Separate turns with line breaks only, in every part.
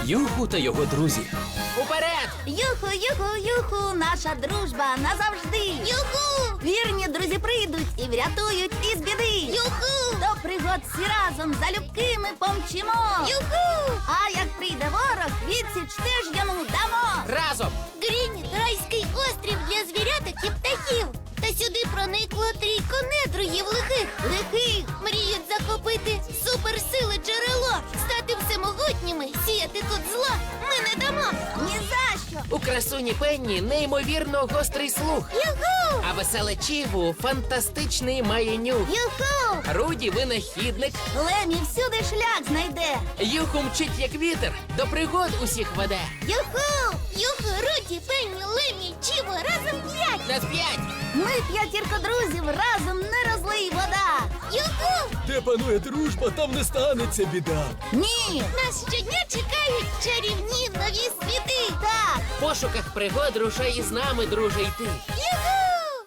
Юху та його друзі.
Уперед!
Юху, юху, юху, наша дружба назавжди. Юху! Вірні друзі прийдуть і врятують із біди. Юху! До пригод всі разом залюбки ми помчимо. Юху! А як прийде ворог, відсіч теж йому дамо.
Разом!
Грініт – райський острів для звіряток і птахів. Та сюди проникло трійко недругів лихих.
Лихих!
Мріють захопити суперсили джерело, стати всемогутніми, сіяти тут зло ми не дамо.
Ні за що!
У красуні Пенні неймовірно гострий слух.
Юху!
А веселе Чіву фантастичний має нюх.
Юху!
Руді винахідник.
Лемі всюди шлях знайде.
Юху мчить як вітер, до пригод усіх веде.
Юху!
Юху, Руді, Пенні, Лемі, Чіво, разом 5!
На 5!
Ми п'ятірка друзів, разом не розлий вода.
Юху!
Де панує дружба, там не станеться біда.
Ні!
Нас щодня чекають чарівні нові світи!
Так!
В пошуках пригод рушай із нами, друже, йти.
Юху!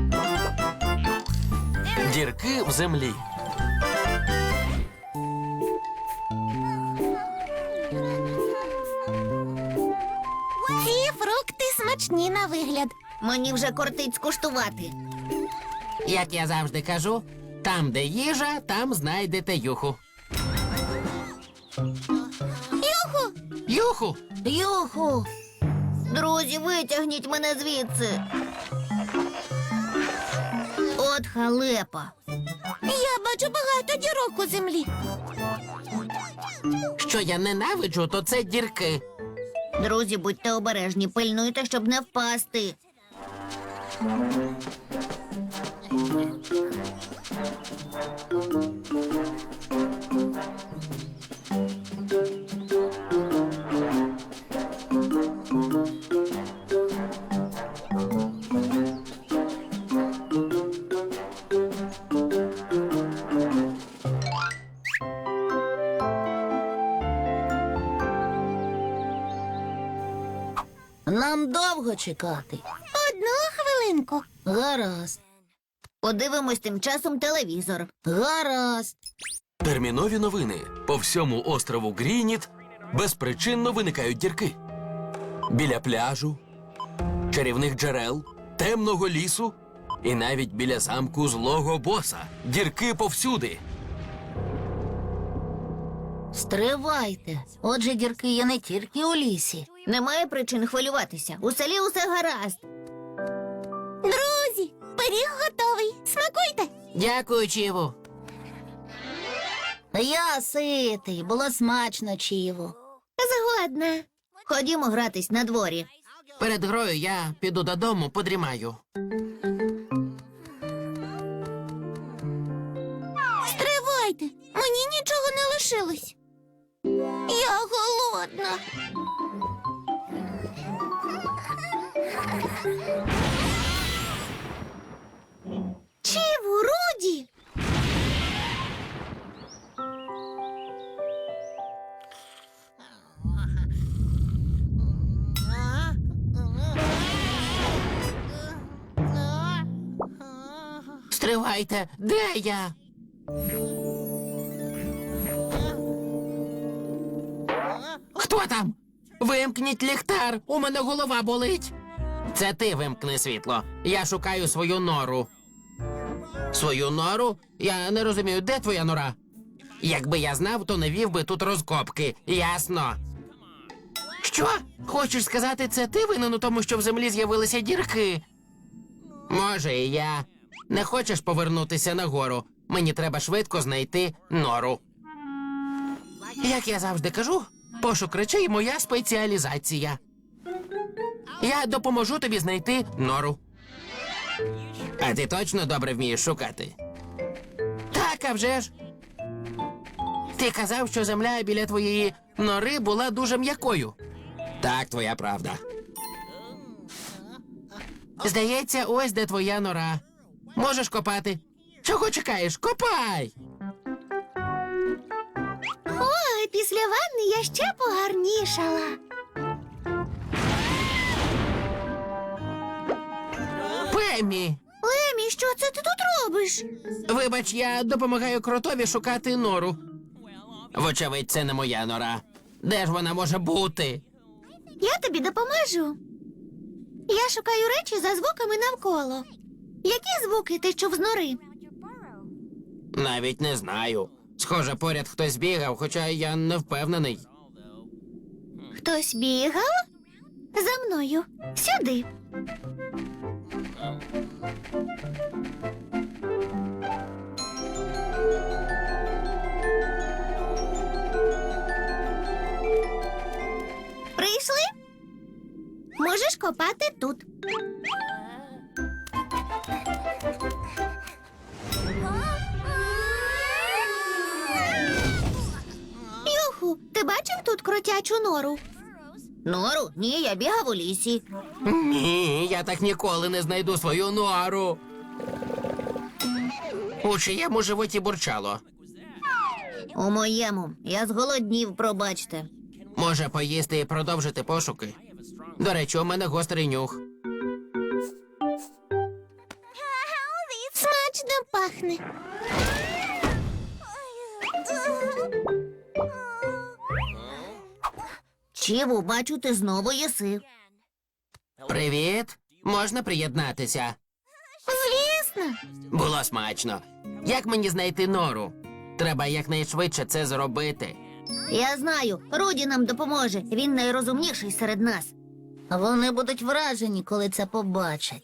Дірки в землі.
Ці фрукти смачні на вигляд.
Мені вже кортить скуштувати.
Як я завжди кажу, там, де їжа, там знайдете юху.
Юху!
Юху!
Юху! Друзі, витягніть мене звідси. От халепа.
Я бачу багато дірок у землі.
Що я ненавиджу, то це дірки.
Друзі, будьте обережні, пильнуйте, щоб не впасти. Нам довго чекати.
Одну хвилинку.
Гаразд. Подивимось тим часом телевізор. Гаразд.
Термінові новини. По всьому острову Грініт безпричинно виникають дірки. Біля пляжу, чарівних джерел, темного лісу і навіть біля замку злого боса. Дірки повсюди.
Стривайте. Отже, дірки є не тільки у лісі. Немає причин хвилюватися. У селі усе гаразд.
Друзі, пиріг готовий. Смакуйте.
Дякую, Чіву.
Я ситий, було смачно, Чіву.
Згодна.
Ходімо гратись на дворі.
Перед грою я піду додому, подрімаю.
Стривайте. Мені нічого не лишилось. Я голодна. Чіву, Руді!
Стривайте, де я? Хто там? Вимкніть ліхтар, у мене голова болить. Це ти вимкни світло. Я шукаю свою нору. Свою нору? Я не розумію, де твоя нора? Якби я знав, то не вів би тут розкопки. Ясно. Що? Хочеш сказати, це ти винен у тому, що в землі з'явилися дірки? Може, і я. Не хочеш повернутися нагору? Мені треба швидко знайти нору. Як я завжди кажу, пошук речей – моя спеціалізація. Я допоможу тобі знайти нору. А ти точно добре вмієш шукати? Так, а вже ж. Ти казав, що земля біля твоєї нори була дуже м'якою. Так, твоя правда. Здається, ось де твоя нора. Можеш копати. Чого чекаєш? Копай!
Ой, після ванни я ще погарнішала.
Пеммі!
Лемі, що це ти тут робиш?
Вибач, я допомагаю кротові шукати нору. Вочевидь, це не моя нора. Де ж вона може бути?
Я тобі допоможу. Я шукаю речі за звуками навколо. Які звуки ти чув з нори?
Навіть не знаю. Схоже, поряд хтось бігав, хоча я не впевнений.
Хтось бігав? За мною. Сюди. Прийшли? Можеш копати тут. Юху, ти бачив тут кротячу нору? Нору? Ні, я бігав у лісі.
Ні, я так ніколи не знайду свою нору. У чиєму животі бурчало.
У моєму. Я зголоднів, пробачте.
Може, поїсти і продовжити пошуки? До речі, у мене гострий нюх.
Смачно пахне. Чіву, бачу, ти знову їси.
Привіт. Можна приєднатися?
Звісно.
Було смачно. Як мені знайти нору? Треба якнайшвидше це зробити.
Я знаю, Руді нам допоможе. Він найрозумніший серед нас. Вони будуть вражені, коли це побачать.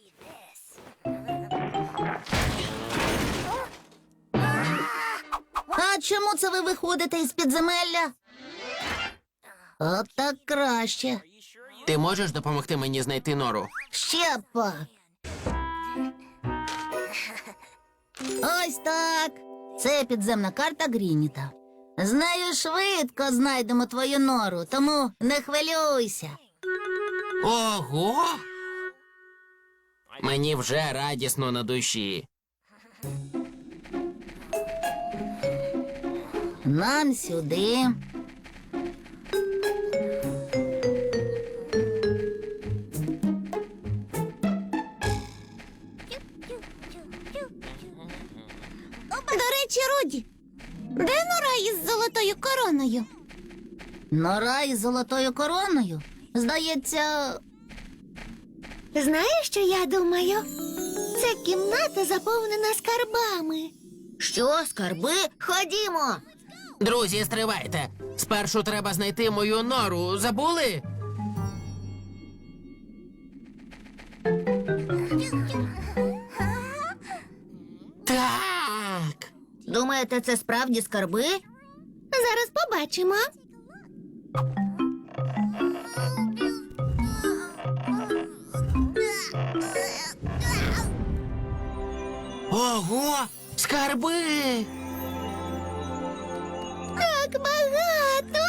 А чому це ви виходите із підземелля? От так краще.
Ти можеш допомогти мені знайти нору?
Ще пак. Ось так. Це підземна карта Грініта. З нею швидко знайдемо твою нору, тому не хвилюйся.
Ого! Мені вже радісно на душі.
Нам сюди. До речі, Руді, де нора із золотою короною? Нора із золотою короною? Здається. Знаєш, що я думаю? Це кімната заповнена скарбами. Що, скарби? Ходімо.
Друзі, стривайте. Спершу треба знайти мою нору. Забули? Так.
Думаєте, це справді скарби? Зараз побачимо.
Ого! Скарби!
Так багато.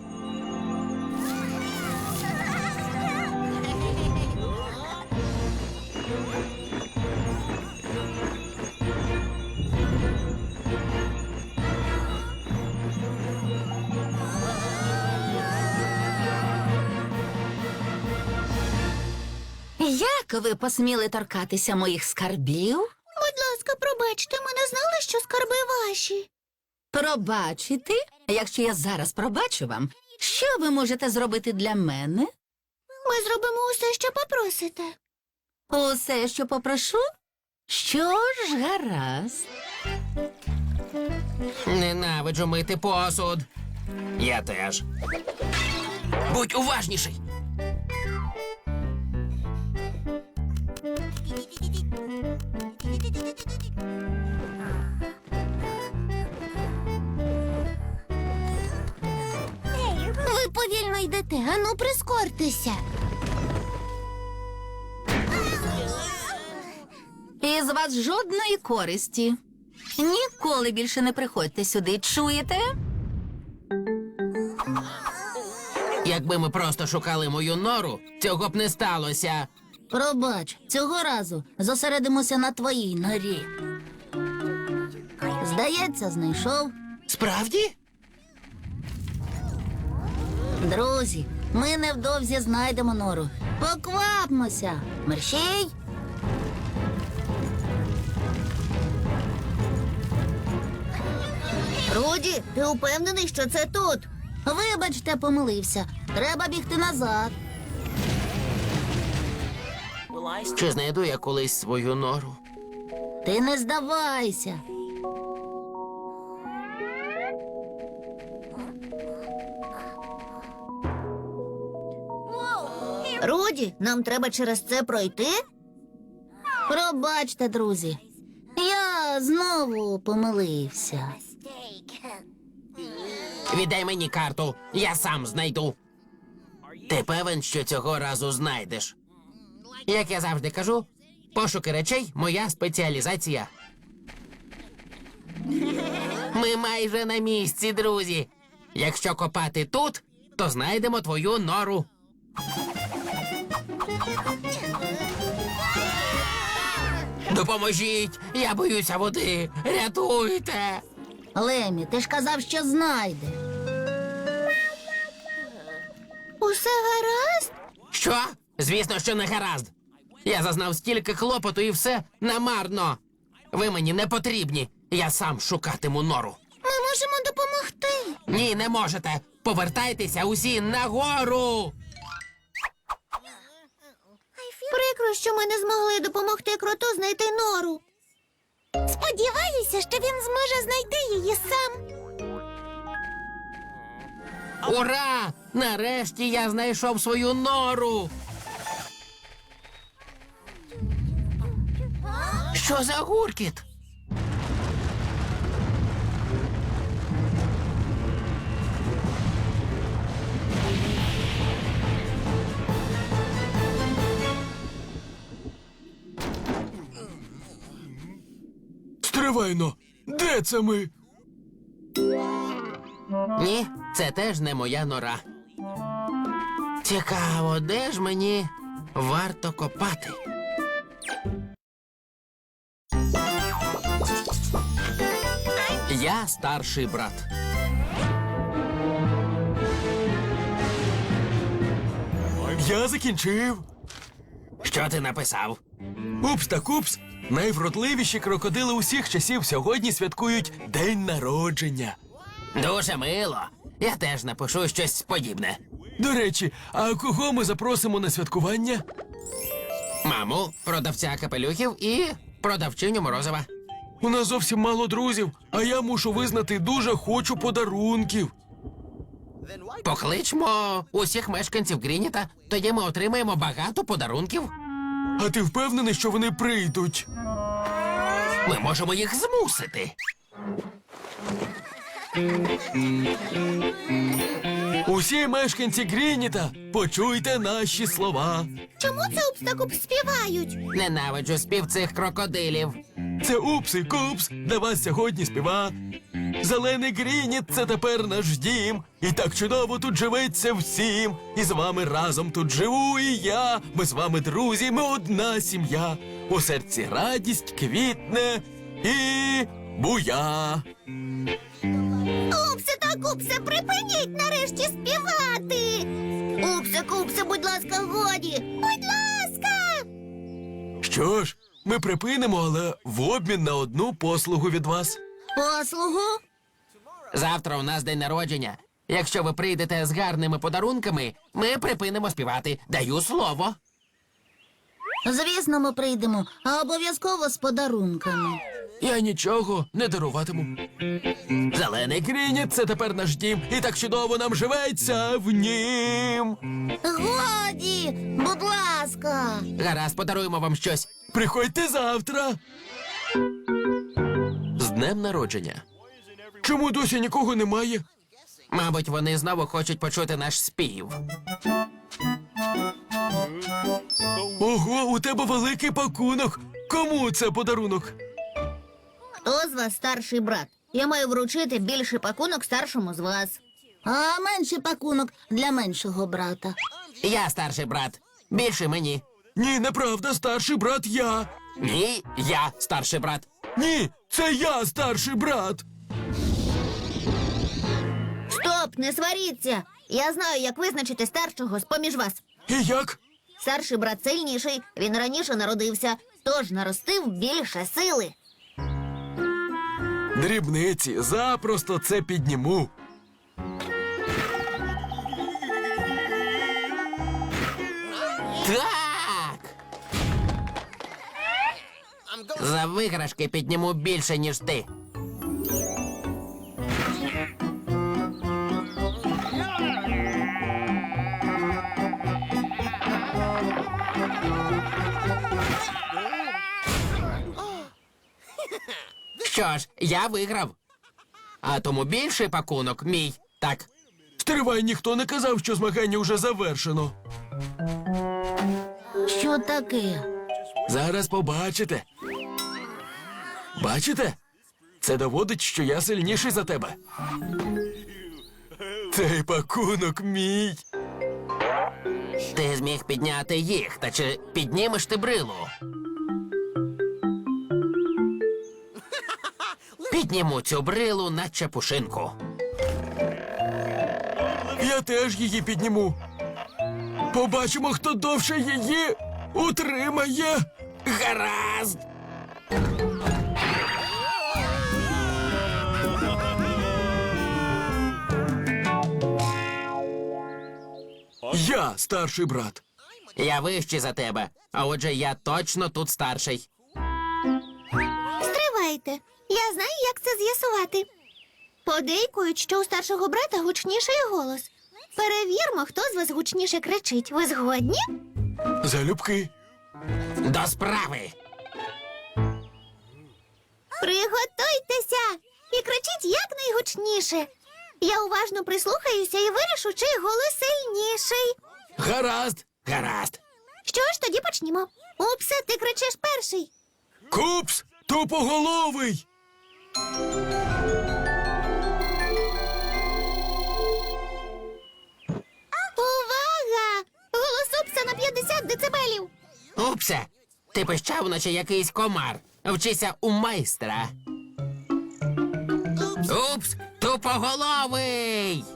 Як ви посміли торкатися моїх скарбів?
Будь ласка, пробачте, ми не знали, що скарби ваші.
Пробачити? Якщо я зараз пробачу вам, що ви можете зробити для мене?
Ми зробимо усе, що попросите.
Усе, що попрошу? Що ж, гаразд.
Ненавиджу мити посуд. Я теж. Будь уважніший.
Ви повільно йдете, ану прискортеся.
Із вас жодної користі. Ніколи більше не приходьте сюди, чуєте?
Якби ми просто шукали мою нору, цього б не сталося.
Пробач, цього разу зосередимося на твоїй норі. Здається, знайшов.
Справді?
Друзі, ми невдовзі знайдемо нору. Поквапмося. Мерщій. Руді, ти упевнений, що це тут? Вибачте, помилився. Треба бігти назад.
Чи знайду я колись свою нору?
Ти не здавайся. Руді, нам треба через це пройти? Пробачте, друзі. Я знову помилився.
Віддай мені карту, я сам знайду. Ти певен, що цього разу знайдеш? Як я завжди кажу, пошуки речей – моя спеціалізація. Ми майже на місці, друзі. Якщо копати тут, то знайдемо твою нору. Допоможіть! Я боюся води! Рятуйте!
Лемі, ти ж казав, що знайдеш. Усе гаразд?
Що? Звісно, що не гаразд. Я зазнав стільки клопоту і все намарно. Ви мені не потрібні. Я сам шукатиму нору.
Ми можемо допомогти.
Ні, не можете. Повертайтеся усі нагору.
Прикро, що ми не змогли допомогти кроту знайти нору. Сподіваюся, що він зможе знайти її сам.
Ура! Нарешті я знайшов свою нору. Що за гуркіт?
Стривайно! Де це ми?
Ні, це теж не моя нора. Цікаво, де ж мені варто копати? Я старший брат.
Я закінчив.
Що ти написав?
Упс та купс. Найвродливіші крокодили усіх часів сьогодні святкують День народження.
Дуже мило. Я теж напишу щось подібне.
До речі, а кого ми запросимо на святкування?
Маму, продавця капелюхів і продавчиню морозива.
У нас зовсім мало друзів, а я мушу визнати, дуже хочу подарунків.
Покличмо усіх мешканців Грініта, тоді ми отримаємо багато подарунків.
А ти впевнений, що вони прийдуть?
Ми можемо їх змусити.
Усі мешканці Грініта, почуйте наші слова.
Чому це Упс-та-Купс співають?
Ненавиджу спів цих крокодилів.
Це Упс і Купс для вас сьогодні співа. Зелений Грініт – це тепер наш дім. І так чудово тут живеться всім. І з вами разом тут живу і я. Ми з вами друзі, ми одна сім'я. У серці радість квітне і буя.
Упсе та Купсе, припиніть нарешті співати. Упсе-Купсе, будь ласка, годі. Будь ласка.
Що ж, ми припинимо, але в обмін на одну послугу від вас.
Послугу?
Завтра у нас день народження. Якщо ви прийдете з гарними подарунками, ми припинимо співати. Даю слово.
Звісно, ми прийдемо, а обов'язково з подарунками.
Я нічого не даруватиму. Зелений Грініт – це тепер наш дім, і так чудово нам живеться в нім.
Годі, будь ласка.
Гаразд, подаруємо вам щось.
Приходьте завтра.
З днем народження.
Чому досі нікого немає?
Мабуть, вони знову хочуть почути наш спів.
Ого, у тебе великий пакунок. Кому це подарунок?
Хто з вас старший брат? Я маю вручити більший пакунок старшому з вас. А менший пакунок для меншого брата.
Я старший брат. Більше мені.
Ні, неправда, старший брат я.
Ні, я старший брат.
Ні, це я старший брат.
Стоп, не сваріться. Я знаю, як визначити старшого з-поміж вас.
І як?
Старший брат сильніший, він раніше народився, тож наростив більше сили.
Дрібниці, запросто це підніму.
Так! За виграшки підніму більше, ніж ти. Що ж, я виграв. А тому більший пакунок мій. Так.
Стривай, ніхто не казав, що змагання вже завершено.
Що таке?
Зараз побачите. Бачите? Це доводить, що я сильніший за тебе. Цей пакунок мій.
Ти зміг підняти їх, та чи піднімеш ти брилу? Підніму цю брилу, наче пушинку.
Я теж її підніму. Побачимо, хто довше її утримає.
Гаразд!
Я старший брат.
Я вищий за тебе, а отже, я точно тут старший.
Стривайте. Я знаю, як це з'ясувати. Подейкують, що у старшого брата гучніший голос. Перевірмо, хто з вас гучніше кричить. Ви згодні?
Залюбки.
До справи!
Приготуйтеся і кричіть якнайгучніше. Я уважно прислухаюся і вирішу, чий голос сильніший.
Гаразд.
Гаразд!
Що ж, тоді почнімо. Упсе, ти кричиш перший.
Купс, тупоголовий.
Увага! Голос Упса на 50 децибелів.
Упсе, ти пищав, наче якийсь комар. Вчися у майстра. Упс, тупоголовий!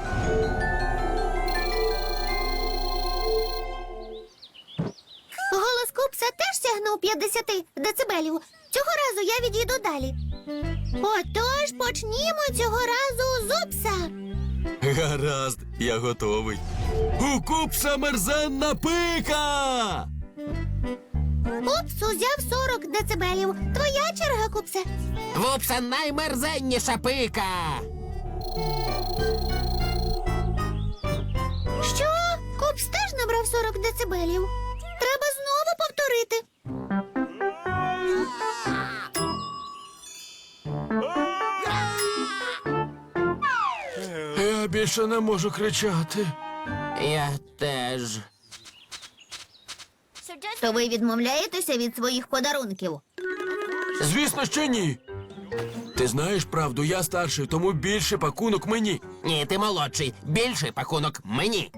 Голос Купса теж сягнув 50 децибелів. Цього разу я відійду далі. Отож, почнімо цього разу з Упса.
Гаразд, я готовий. У Купса мерзенна пика.
Упс узяв 40 децибелів. Твоя черга, Купсе.
В Упса наймерзенніша пика!
Що? Купс теж набрав 40 децибелів. Треба знову повторити.
Я більше не можу кричати.
Я теж.
То ви відмовляєтеся від своїх подарунків?
Звісно, що ні. Ти знаєш правду, я старший, тому більше пакунок мені.
Ні, ти молодший. Більший пакунок мені.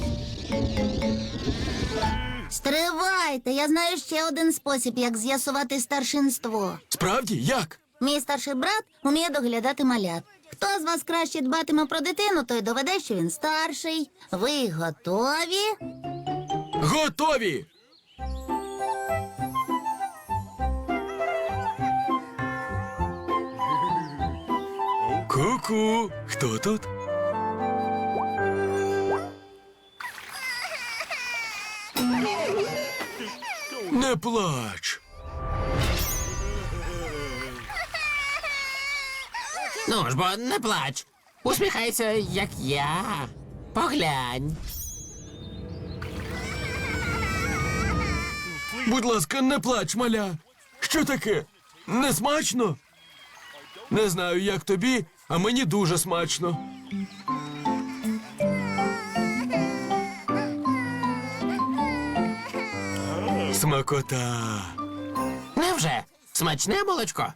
Стривайте, я знаю ще один спосіб, як з'ясувати старшинство.
Справді, як?
Мій старший брат уміє доглядати малят. Хто з вас краще дбатиме про дитину, той доведе, що він старший. Ви готові?
Готові! Ку-ку, хто тут? Не плач.
Ну ж бо, не плач. Усміхайся, як я. Поглянь.
Будь ласка, не плач, маля. Що таке? Не смачно? Не знаю, як тобі, а мені дуже смачно. Смакота.
Невже? Смачне молочко?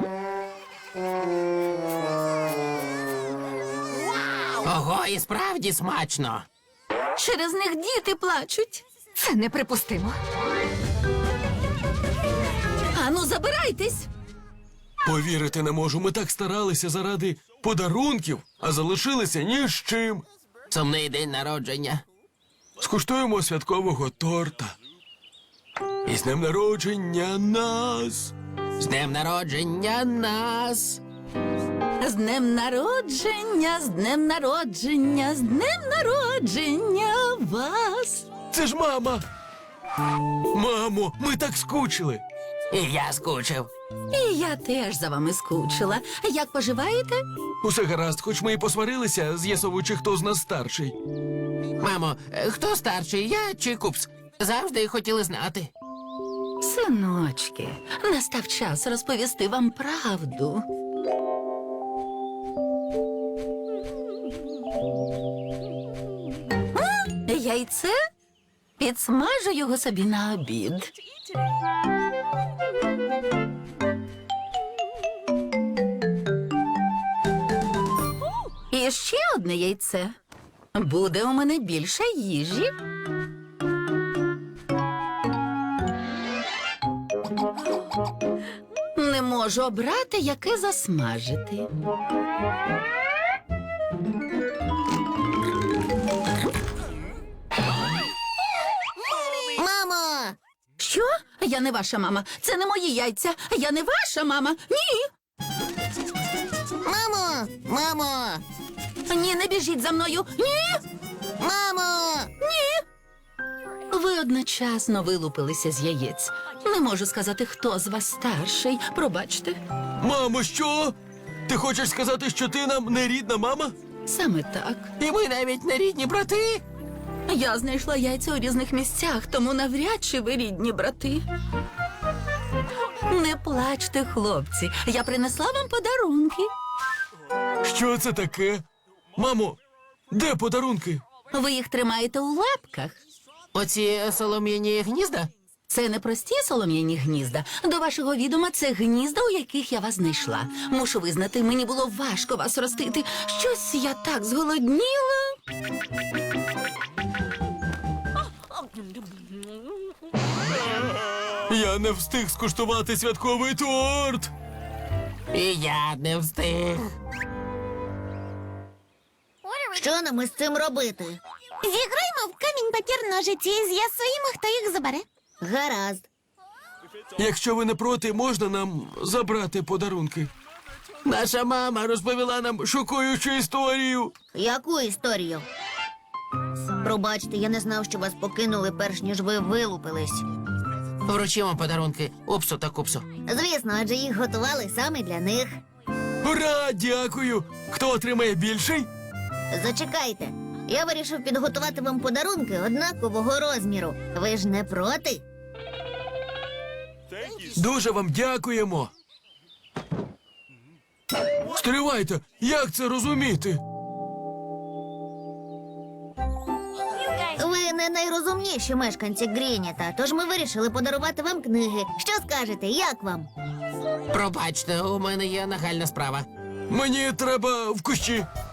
Ого, і справді смачно.
Через них діти плачуть. Це неприпустимо. Ану, забирайтесь.
Повірити не можу, ми так старалися заради подарунків, а залишилися ні з чим.
Сумний день народження.
Скуштуємо святкового торта. І з днем народження нас.
З днем народження нас.
З днем народження, з днем народження, з днем народження вас.
Це ж мама. Мамо, ми так скучили.
І я скучив.
І я теж за вами скучила. Як поживаєте?
Усе гаразд, хоч ми і посварилися, з'ясовуючи, хто з нас старший.
Мамо, хто старший, я чи Купс? Завжди хотіли знати.
Синочки, настав час розповісти вам правду. Яйце? Підсмажу його собі на обід. І ще одне яйце. Буде у мене більше їжі. Не можу обрати, яке засмажити.
Мамо!
Що? Я не ваша мама. Це не мої яйця. Я не ваша мама. Ні.
Мамо! Мамо!
Ні, не біжіть за мною. Ні.
Мамо!
Ви одночасно вилупилися з яєць. Не можу сказати, хто з вас старший. Пробачте.
Мамо, що? Ти хочеш сказати, що ти нам не рідна мама?
Саме так.
І ми навіть не рідні брати.
Я знайшла яйця у різних місцях, тому навряд чи ви рідні брати. Не плачте, хлопці. Я принесла вам подарунки.
Що це таке? Мамо, де подарунки?
Ви їх тримаєте у лапках.
Оці солом'яні гнізда?
Це не прості солом'яні гнізда. До вашого відома, це гнізда, у яких я вас знайшла. Мушу визнати, мені було важко вас ростити. Щось я так зголодніла.
Я не встиг скуштувати святковий торт.
І я не встиг.
Що нам із цим робити?
Зіграємо в камінь, папір, ножиці і з'ясуємо, хто їх забере.
Гаразд.
Якщо ви не проти, можна нам забрати подарунки? Наша мама розповіла нам шокуючу історію.
Яку історію? Пробачте, я не знав, що вас покинули, перш ніж ви вилупились.
Вручимо подарунки Упсу та Купсу.
Звісно, адже їх готували саме для них.
Ура, дякую! Хто отримає більший?
Зачекайте. Я вирішив підготувати вам подарунки однакового розміру. Ви ж не проти?
Дуже вам дякуємо. Стривайте, як це розуміти?
Ви не найрозумніші мешканці Грініта, тож ми вирішили подарувати вам книги. Що скажете, як вам?
Пробачте, у мене є нагальна справа.
Мені треба в кущі.